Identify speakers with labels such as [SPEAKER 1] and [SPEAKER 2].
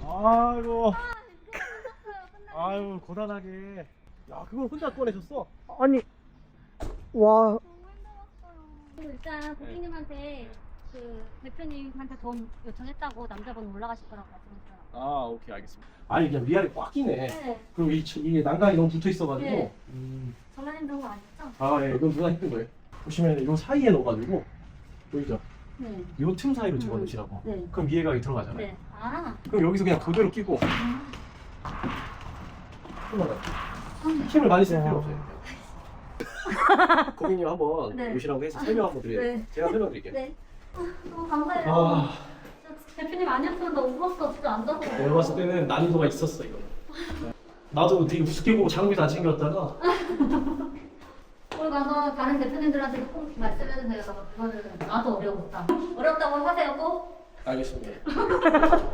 [SPEAKER 1] 아이고. 아유 고단하게. 야 그걸 혼자 꺼내셨어?
[SPEAKER 2] 아니, 와,
[SPEAKER 3] 일단 고객님한테 그 대표님한테 돈 요청했다고 남자분 올라가실 거라고 말씀하셨어요.
[SPEAKER 1] 아 오케이 알겠습니다. 아니 그냥 위아래 꽉 끼네.
[SPEAKER 3] 네.
[SPEAKER 1] 그리고 이게 난간이 너무 붙어 있어가지고.
[SPEAKER 3] 네. 전화 힘든 거 아니죠?
[SPEAKER 1] 아 예, 이건 누가 힘든 거예요. 보시면 요 사이에 넣어가지고 보이죠?
[SPEAKER 3] 네.
[SPEAKER 1] 요 틈 사이로 집어넣으시라고.
[SPEAKER 3] 네.
[SPEAKER 1] 그럼 위에가 들어가잖아요.
[SPEAKER 3] 네. 아.
[SPEAKER 1] 그럼 여기서 그냥 그대로 끼고. 힘을 많이 쓸 필요 없어요. 고객님 한번
[SPEAKER 3] 네.
[SPEAKER 1] 오시라고 해서 설명 한번 드려요.
[SPEAKER 3] 네.
[SPEAKER 1] 제가 설명드릴게요.
[SPEAKER 3] 네. 너무 감사해요.
[SPEAKER 1] 아,
[SPEAKER 3] 진짜 대표님 아니었으면 나 울었어. 진짜 안 잤어.
[SPEAKER 1] 내가 봤을 때는 난이도가 있었어 이거. 나도 되게 우습게 보고 장비 다 챙겼다가
[SPEAKER 3] 거기 가서 다른 대표님들한테 꼭 말씀해주세요. 그거는 나도 어려웠다. 어렵다고 하세요 꼭.
[SPEAKER 1] 알겠습니다.